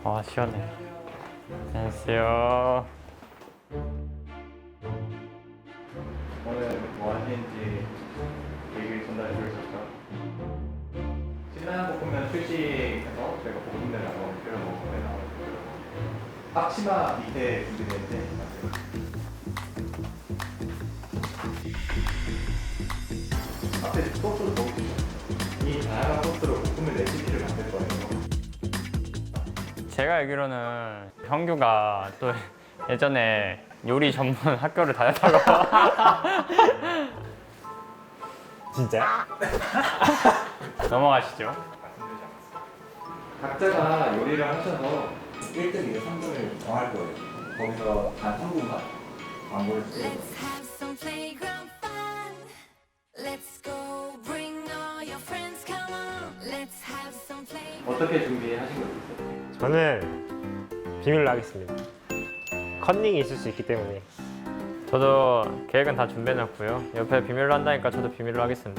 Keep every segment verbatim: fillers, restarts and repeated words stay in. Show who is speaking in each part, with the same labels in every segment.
Speaker 1: 아 시원해. 안녕하세요.
Speaker 2: 오늘 뭐 하시는지 얘기 전달해 주셨죠? 신라면 볶음면 출시해서 저희가 볶음면을 한번 끓여 먹어보면 나오고요. 앞치마 밑에 준비되는데 앞에 소스를 넣어주시죠. 이 다양한 소스로 볶음면 레시피를 만들 거예요.
Speaker 1: 제가 알기로는 형규가 또 예전에 요리 전문 학교를 다녔다고.
Speaker 3: 진짜?
Speaker 1: 넘어가시죠.
Speaker 2: 각자가 요리를 하셔서 일 등, 이 등, 삼 등을 정할 거예요. 거기서 단 삼 분간 광고를 쓰고
Speaker 4: Let's have some playground fun. Let's go, bring all your friends, come on. Let's have some play.
Speaker 2: 어떻게 준비하신 거죠? 있어요?
Speaker 3: 저는 비밀로 하겠습니다. 컨닝이 있을 수 있기 때문에.
Speaker 1: 저도 계획은 다 준비해놨고요. 옆에 비밀로 한다니까 저도 비밀로 하겠습니다.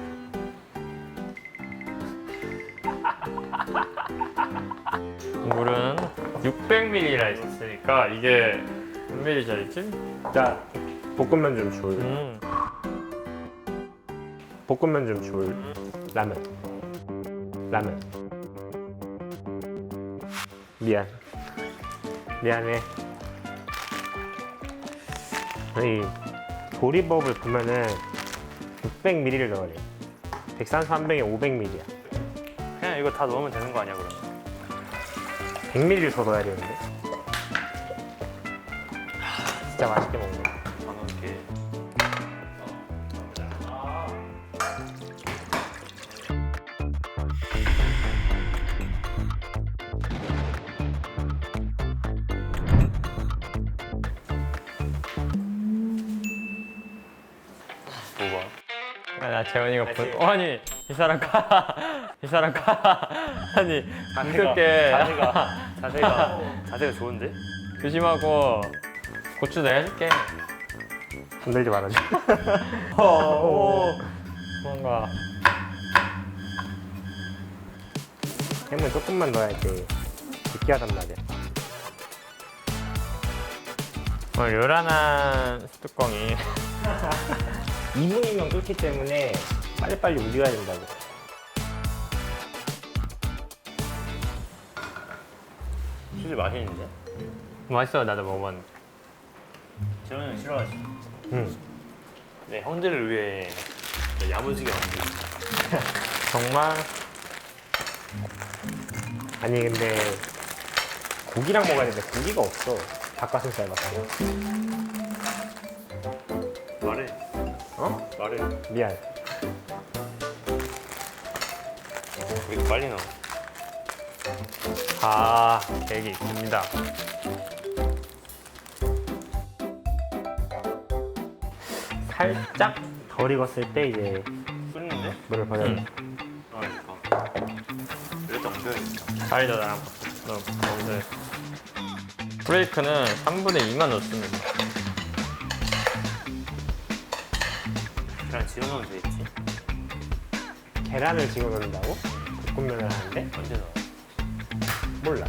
Speaker 1: 물은 육백 밀리리터라 했으니까 이게 몇 밀리리터짜리지?
Speaker 3: 자, 볶음면 좀 줄.
Speaker 1: 음,
Speaker 3: 볶음면 좀 줄. 라면. 라면. 미안. 미안해. 이 조리법을 보면은 육백 밀리리터를 넣어야 돼. 백삼십 한 병에 오백 밀리리터야.
Speaker 1: 그냥 이거 다 넣으면 되는 거 아니야 그러면?
Speaker 3: 백 밀리리터 더 넣어야 되는데. 진짜 맛있게 먹네.
Speaker 1: 안 넣을게. 뭐가? 아, 나 재원이가 본. 어, 아니 이 사람 가. 이 사람 가. 아니 무섭게.
Speaker 5: 자세가 자세가 자세가 좋은데?
Speaker 1: 조심하고 고추 내가 해줄게.
Speaker 3: 건들지 말아줘.
Speaker 1: 오. 뭔가
Speaker 3: 햄은 조금만 넣어야지 느끼하단 말이야.
Speaker 1: 오늘 요란한 뚜껑이.
Speaker 3: 이 분이면 끓기 때문에 빨리빨리 우려야 된다고.
Speaker 5: 수지 맛있는데?
Speaker 1: 맛있어. 나도 먹어봤는데.
Speaker 5: 재현이 형 싫어하지?
Speaker 3: 응.
Speaker 5: 네, 형들을 위해 야무지게 만들어.
Speaker 1: 정말
Speaker 3: 아니 근데 고기랑 먹어야 되는데 고기가 없어. 닭가슴살밖에.
Speaker 5: 말해.
Speaker 3: 어?
Speaker 5: 말해.
Speaker 3: 미안.
Speaker 5: 왜 이렇게 빨리 나와?
Speaker 1: 아 계획이 있습니다.
Speaker 3: 살짝 덜 익었을 때 이제
Speaker 5: 끓는데?
Speaker 3: 물을 버려.
Speaker 1: 응.
Speaker 5: 아, 그러니까. 이랬다 옮겨야겠다.
Speaker 1: 잘도 나랑 너 먹는데 브레이크는 삼분의 이만 넣습니다.
Speaker 5: 그냥 지어 넣으면 되겠지.
Speaker 3: 계란을 집어 넣는다고? 볶음면을 하는데?
Speaker 5: 언제 넣어?
Speaker 3: 몰라.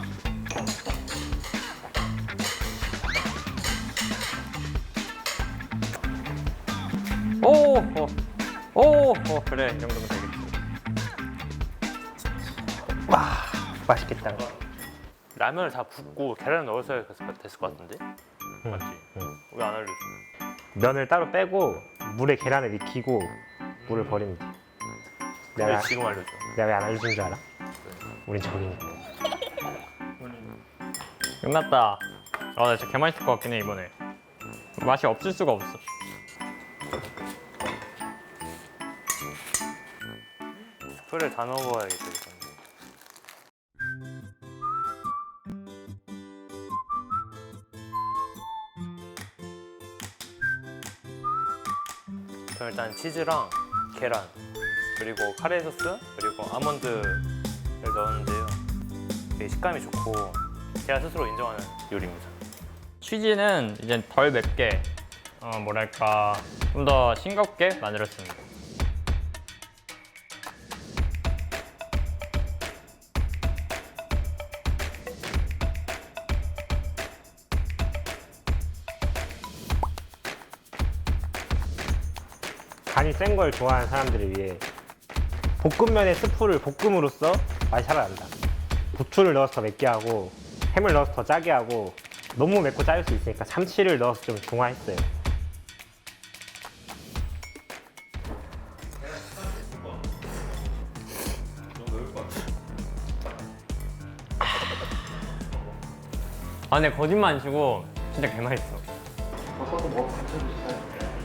Speaker 1: 오, 오, 오, 오, 그래 이 정도면 되겠지.
Speaker 3: 와 맛있겠다.
Speaker 5: 라면을 다 붓고 계란을 넣었어야 됐을 것 같은데? 맞지?
Speaker 3: 응.
Speaker 5: 왜 안 알려줘?
Speaker 3: 면을 따로 빼고 물에 계란을 익히고 물을 버리면 돼.
Speaker 5: 왜
Speaker 3: 내가
Speaker 5: 지금 알려줘?
Speaker 3: 내가 왜 안 알려준 줄 알아? 우린 적이니까.
Speaker 1: 끝났다. 아, 나 진짜 개맛있을 것 같긴 해 이번에. 맛이 없을 수가 없어.
Speaker 5: 스프를 다 넣어봐야겠다. 이건. 그럼 일단 치즈랑 계란 그리고 카레 소스 그리고 아몬드를 넣었는데요. 되게 식감이 좋고 제가 스스로 인정하는 요리입니다.
Speaker 1: 치즈는 이제 덜 맵게, 어, 뭐랄까 좀 더 싱겁게 만들었습니다.
Speaker 3: 간이 센 걸 좋아하는 사람들을 위해 볶음면의 스프를 볶음으로써 맛이 살아난다. 부추를 넣어서 더 맵게 하고 햄을 넣어서 더 짜게 하고 너무 맵고 짜일 수 있으니까 참치를 넣어서 좀 중화했어요.
Speaker 1: 아 근데 거짓말 안 치고 진짜 개맛있어.
Speaker 2: 버섯도 뭐 붙여주실까요?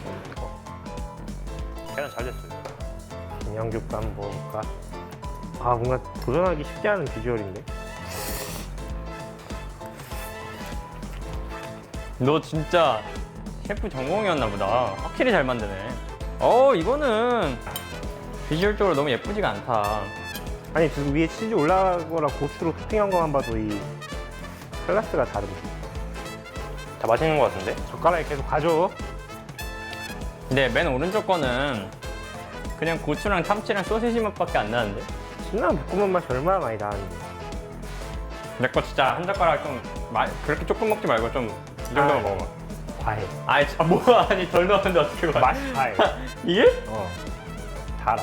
Speaker 5: 계란 잘 됐어요.
Speaker 3: 김영규과 한번 먹어볼까? 아 뭔가 도전하기 쉽지 않은 비주얼인데?
Speaker 1: 너 진짜 셰프 전공이었나 보다. 확실히 잘 만드네. 어 이거는 비주얼적으로 너무 예쁘지가 않다.
Speaker 3: 아니 그 위에 치즈 올라가거나 고추로 토핑한 것만 봐도 이 클래스가 다른데.
Speaker 5: 다 맛있는 것 같은데?
Speaker 3: 젓가락에 계속 가져.
Speaker 1: 근데 맨 오른쪽 거는 그냥 고추랑 참치랑 소시지 맛밖에 안 나는데?
Speaker 3: 신라면 볶음면 맛이 얼마나 많이 나는데.
Speaker 1: 내 거 진짜 한 젓가락 좀 마, 그렇게 조금 먹지 말고 좀 이 정도만
Speaker 3: 아,
Speaker 1: 먹어봐.
Speaker 3: 과해.
Speaker 1: 아이 참 뭐야 아니 덜 넣었는데 어떻게 봐?
Speaker 3: 맛이 과해.
Speaker 1: 이게?
Speaker 3: 어. 달아.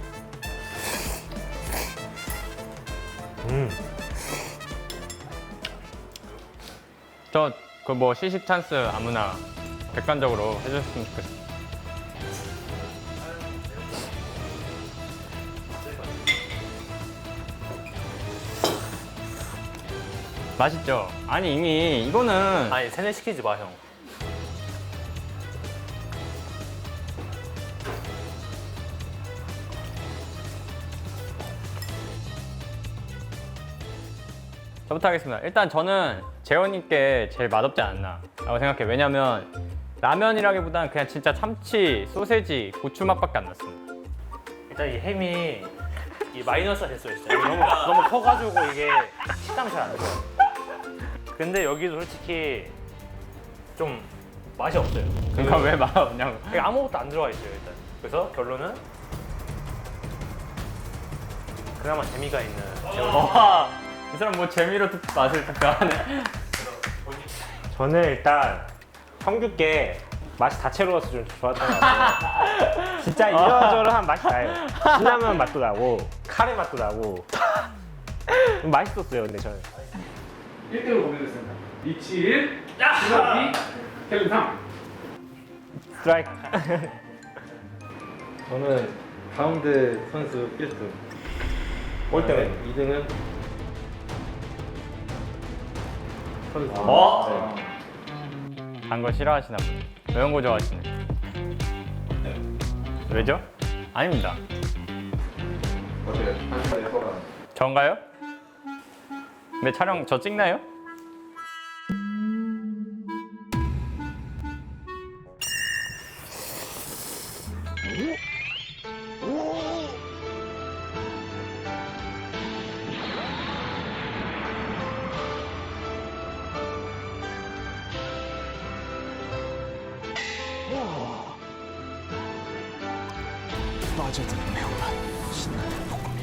Speaker 3: 음.
Speaker 1: 저 그 뭐 시식 찬스 아무나 객관적으로 해줬으면 좋겠어. 맛있죠? 아니 이미 이거는
Speaker 5: 아니 세뇌 시키지 마 형.
Speaker 1: 저부터 하겠습니다. 일단 저는 재원님께 제일 맛없지 않나 라고 생각해요. 왜냐면 라면이라기보다는 그냥 진짜 참치, 소세지, 고추 맛밖에 안 났습니다.
Speaker 5: 일단 이 햄이 이 마이너스가 됐어요 진짜. 너무 너무 커가지고 이게 식감이 잘 안 좋아. 근데 여기도 솔직히 좀 맛이 없어요.
Speaker 1: 그러니까 왜 맛없냐고.
Speaker 5: 이게 아무것도 안 들어가 있어요 일단. 그래서 결론은 그나마 재미가 있는 재원.
Speaker 1: 와, 이 사람 뭐 재미로 듣- 맛을 평가하네.
Speaker 3: 저는 일단 성규께 맛이 다채로워서 좀 좋았던 것 같아요. 진짜 이러저러한 맛이 나요. 신라면 맛도 나고 카레 맛도 나고 좀 맛있었어요. 근데 저는
Speaker 6: 일 대로 공개됐습니다. 리치 일, 주석이 켈빈 삼.
Speaker 3: 스트라이크.
Speaker 7: 저는 가운데 선수 일 등,
Speaker 3: 꼴등은
Speaker 7: 이 등은 선수.
Speaker 1: 어?
Speaker 7: 네.
Speaker 1: 단 거 싫어하시나 보네. 매운 거 좋아하시네. 왜죠? 아닙니다.
Speaker 2: 어때요? 한번에 소감.
Speaker 1: 전가요? 근데 촬영 저 찍나요?
Speaker 8: 빠져든 매운맛 신나는 볶음면